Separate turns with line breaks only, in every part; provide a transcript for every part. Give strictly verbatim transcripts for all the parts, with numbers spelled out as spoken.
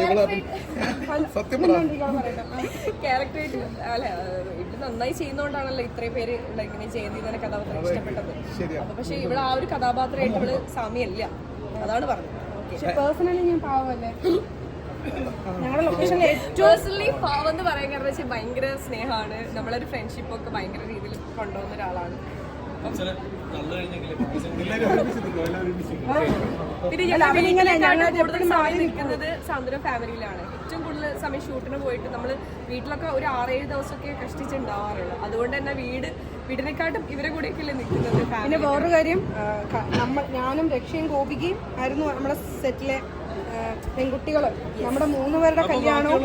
ക്യാരക്ടറായിട്ട് അല്ല ഇവിടെ നന്നായി ചെയ്യുന്നോണ്ടാണല്ലോ ഇത്രയും പേര് ഇങ്ങനെ ജയന്തി കഥാപാത്രം ഇഷ്ടപ്പെട്ടത്. അപ്പൊ പക്ഷെ ഇവിടെ ആ ഒരു കഥാപാത്രമായിട്ട് ഇവള് സാമ്യല്ല, അതാണ് പറഞ്ഞത്.
പേഴ്സണലി ഞാൻ പാവല്ലേ, ഞങ്ങളുടെ ലൊക്കേഷനിൽ ഏറ്റവും
പേഴ്സണലി പാവം എന്ന് പറയാൻ കാരണം വെച്ചാൽ ഭയങ്കര സ്നേഹമാണ്, നമ്മളൊരു ഫ്രണ്ട്ഷിപ്പ് ഒക്കെ ഭയങ്കര രീതിയിൽ കൊണ്ടുപോകുന്ന ഒരാളാണ്. പിന്നെ ഞങ്ങൾ കൂടുതൽ സമയം നിൽക്കുന്നത് സാന്ത്വന ഫാമിലിയിലാണ്. ഏറ്റവും കൂടുതൽ സമയം ഷൂട്ടിന് പോയിട്ട് നമ്മൾ വീട്ടിലൊക്കെ ഒരു ആറേഴ് ദിവസമൊക്കെ കഷ്ടിച്ചുണ്ടാവാറുള്ളൂ. അതുകൊണ്ട് തന്നെ വീട് വീടിനെക്കാട്ടും ഇവരെ കൂടെയൊക്കെയല്ലേ നിൽക്കുന്നത്.
പിന്നെ വേറൊരു കാര്യം, നമ്മൾ ഞാനും രക്ഷയും ഗോപികയും ആയിരുന്നു നമ്മുടെ സെറ്റിലെ പെൺകുട്ടികള്. നമ്മുടെ മൂന്ന് പേരുടെ കല്യാണവും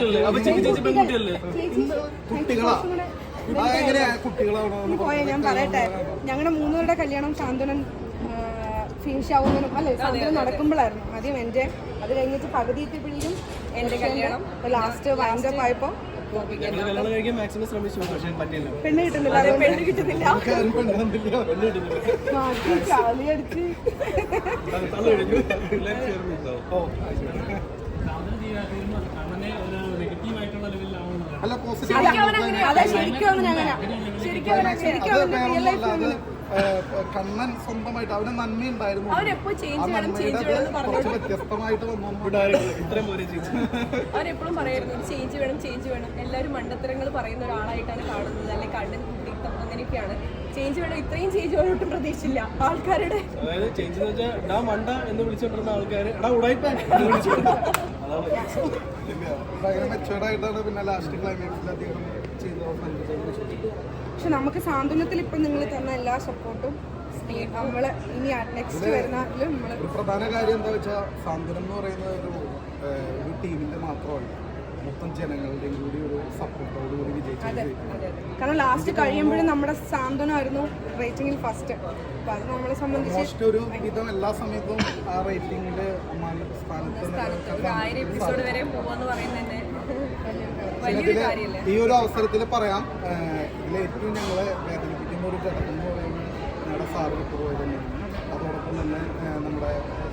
പോയ ഞാൻ പറയട്ടെ, ഞങ്ങളുടെ മൂന്നുപേരുടെ കല്യാണം സാന്ത്വനം ഫിനിഷ് ആവുന്നതിനും അല്ലെ സാന്ത്വനം നടക്കുമ്പോഴായിരുന്നു ആദ്യം എന്റെ, അത് കഴിഞ്ഞിട്ട് പകുതി എത്തിയപ്പോഴേക്കും
എന്റെ കല്യാണം,
ലാസ്റ്റ് വൈൻഡപ്പ് ആയപ്പോ പെണ്ണ് കിട്ടുന്നില്ല പെണ്ണ് കിട്ടുന്നില്ല ചാലിയടിച്ച് അതെ ശരിക്കും അങ്ങനെ ശരിക്കും ശരിക്കും റിയൽ ലൈഫ്
കണ്ണൻ സ്വന്തമായിട്ട് അവന് നന്മയുണ്ടായിരുന്നു,
അവരെപ്പോഴും
വ്യത്യസ്തമായിട്ട്
അവരെപ്പോഴും പറയായിരുന്നു ചേഞ്ച് വേണം ചേഞ്ച് വേണം. എല്ലാവരും മണ്ടത്തരങ്ങൾ പറയുന്ന ഒരാളായിട്ടാണ് കാണുന്നത്, അല്ലെങ്കിൽ കണ്ണൻ കുട്ടിത്തം അങ്ങനെയൊക്കെയാണ്. ചേഞ്ച് വേണം, ഇത്രയും ചേഞ്ച് വേണം ഒട്ടും പ്രതീക്ഷിച്ചില്ല ആൾക്കാരുടെ.
അതായത് ചേഞ്ച് എന്ന് വെച്ചാൽ മണ്ട എന്ന് വിളിച്ചോണ്ടിരുന്ന ആൾക്കാര്
ഭയങ്കര മെച്ചുവേർഡായിട്ടാണ് പിന്നെ ലാസ്റ്റ് ക്ലൈമാക്സിൽ അദ്ദേഹം ചെയ്തത്.
പക്ഷെ നമുക്ക് സാന്ത്വനത്തിൽ ഇപ്പൊ നിങ്ങൾ തന്ന എല്ലാ സപ്പോർട്ടും നമ്മള് ഇനി നെക്സ്റ്റ് വരുന്നതിലും നമ്മള്
ഒരു പ്രധാന കാര്യം എന്താ വെച്ചാൽ സാന്ത്വനം എന്ന് പറയുന്നത് ഒരു ഒരു ടീമിന്റെ മാത്രമല്ല, മൊത്തം ജനങ്ങളുടെയും കൂടി ഒരു സപ്പോർട്ടോട് കൂടി വിജയിച്ചത്.
കാരണം ലാസ്റ്റ് കഴിയുമ്പോഴും നമ്മുടെ സാന്ത്വനമായിരുന്നു റേറ്റിംഗിൽ ഫസ്റ്റ്. അപ്പൊ അത് നമ്മളെ സംബന്ധിച്ച്
ഒരു വിധം എല്ലാ സമയത്തും ആ റേറ്റിംഗിന്റെ സ്ഥാനത്ത് ഈ ഒരു അവസരത്തിൽ പറയാം, ഇതിൽ ഏറ്റവും ഞങ്ങളെ വേദനിപ്പിക്കുന്ന ഒരു ഘടകം എന്ന് പറയുന്നത് ഞങ്ങളുടെ സാറ് വിട്ടുപോയി തന്നെയാണ്. അതോടൊപ്പം തന്നെ നമ്മുടെ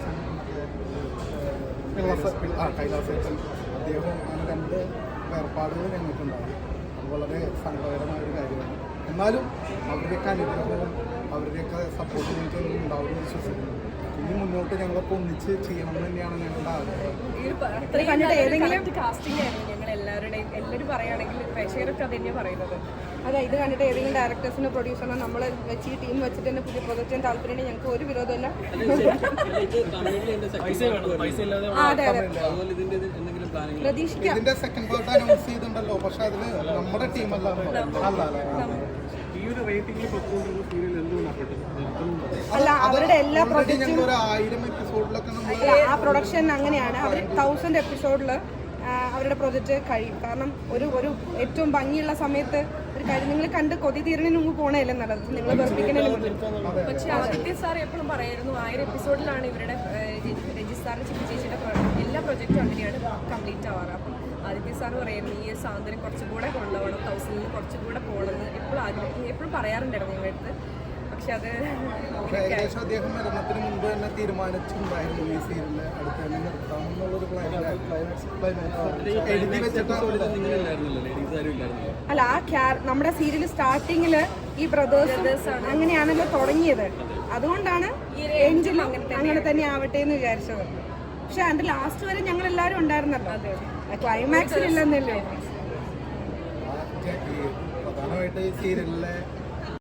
കൈലാസേട്ടൻ, അദ്ദേഹം അങ്ങനെ രണ്ട് വേർപാടുകൾ ഞങ്ങൾക്കുണ്ടായി. അത് വളരെ സങ്കടകരമായ ഒരു കാര്യമാണ്. എന്നാലും അവരുടെയൊക്കെ അനുഗ്രഹവും അവരുടെയൊക്കെ സപ്പോർട്ട് ഞങ്ങൾക്ക് ഉണ്ടാവുമെന്ന് വിശ്വസിക്കുന്നു. ഇനി മുന്നോട്ട് ഞങ്ങളൊക്കെ ഒന്നിച്ച് ചെയ്യണം എന്ന് തന്നെയാണ് ഞങ്ങളുടെ ആഗ്രഹം.
കാസ്റ്റിംഗ് ആയിരുന്നു ഞങ്ങൾ എല്ലാവരുടെയും. എല്ലാവരും പറയുകയാണെങ്കിൽ പ്രേക്ഷകരൊക്കെ അത് തന്നെയാണ് പറയുന്നത്.
അതെ, ഇത് കണ്ടിട്ട് ഏതെങ്കിലും ഡയറക്ടേഴ്സിനോ പ്രൊഡ്യൂസറിനോ നമ്മൾ വെച്ച് ഈ ടീം വെച്ചിട്ട് തന്നെ പുതിയ പ്രൊജക്റ്റ് ചെയ്യാൻ താല്പര്യം ഞങ്ങൾക്ക് ഒരു വിരോധമില്ല. പ്രതീക്ഷിക്കാം.
ഇതിന്റെ സെക്കൻഡ് പാർട്ട് അനൗൺസ് ചെയ്തിട്ടുണ്ടല്ലോ, പക്ഷെ അതില് നമ്മുടെ ടീമല്ല.
അല്ല, അവരുടെ എല്ലാ പ്രൊജക്റ്റും
ആയിരം എപ്പിസോഡിലൊക്കെ
ആ പ്രൊഡക്ഷൻ അങ്ങനെയാണ്. അവർ തൗസൻഡ് എപ്പിസോഡില് അവരുടെ പ്രൊജക്റ്റ് കഴിയും. കാരണം ഒരു ഒരു ഏറ്റവും ഭംഗിയുള്ള സമയത്ത് ഒരു കാര്യം നിങ്ങൾ കണ്ട് കൊതി തീരണതിന് മുമ്പ് പോകണമല്ലേ നല്ലത്, നിങ്ങൾ വെറുപ്പിക്കുന്നതിന് മുമ്പ്.
പക്ഷെ ആദിത്യ സാർ എപ്പോഴും പറയായിരുന്നു ആയിരം എപ്പിസോഡിലാണ് ഇവരുടെ രജിസ്റ്റാറിന്റെ ചിപ്പി ചേച്ചിയുടെ എല്ലാ പ്രൊജക്റ്റും അങ്ങനെയാണ് കംപ്ലീറ്റ് ആവാറ്. അപ്പം ആദിത്യ സാർ പറയായിരുന്നു ഈ സാന്ത്വനം കുറച്ചുകൂടെ കൊണ്ടുപോകണം, തൗസൻഡിൽ കുറച്ചുകൂടെ പോകണമെന്ന് എപ്പോഴും ആഗ്രഹം എപ്പോഴും പറയാറുണ്ടായിരുന്നു ഞങ്ങളുടെ അടുത്ത്. പക്ഷെ അത്
ഏകദേശം അദ്ദേഹം മരണത്തിന് മുമ്പ് തന്നെ തീരുമാനിച്ചിട്ടുണ്ടായിരുന്നു ഈ സീരിയലിൽ അടുത്ത് തന്നെ നിർത്താമെന്നുള്ളൊരു പ്ലാൻ എഴുതി വെച്ചിട്ടാണ്.
അല്ല, ആ നമ്മുടെ സീരിയൽ സ്റ്റാർട്ടിങ്ങില് ഈ ബ്രദേഴ്സ് അങ്ങനെയാണല്ലോ തുടങ്ങിയത്. അതുകൊണ്ടാണ് എൻഡിൽ അങ്ങനെ തന്നെ ആവട്ടെ എന്ന് വിചാരിച്ചത്. പക്ഷെ അതിന്റെ ലാസ്റ്റ് വരെ ഞങ്ങൾ എല്ലാവരും ഉണ്ടായിരുന്നല്ലോ, ക്ലൈമാക്സിൽ ഇല്ലെന്നല്ലോ.
പ്രധാനമായിട്ട് ഈ സീരിയലിലെ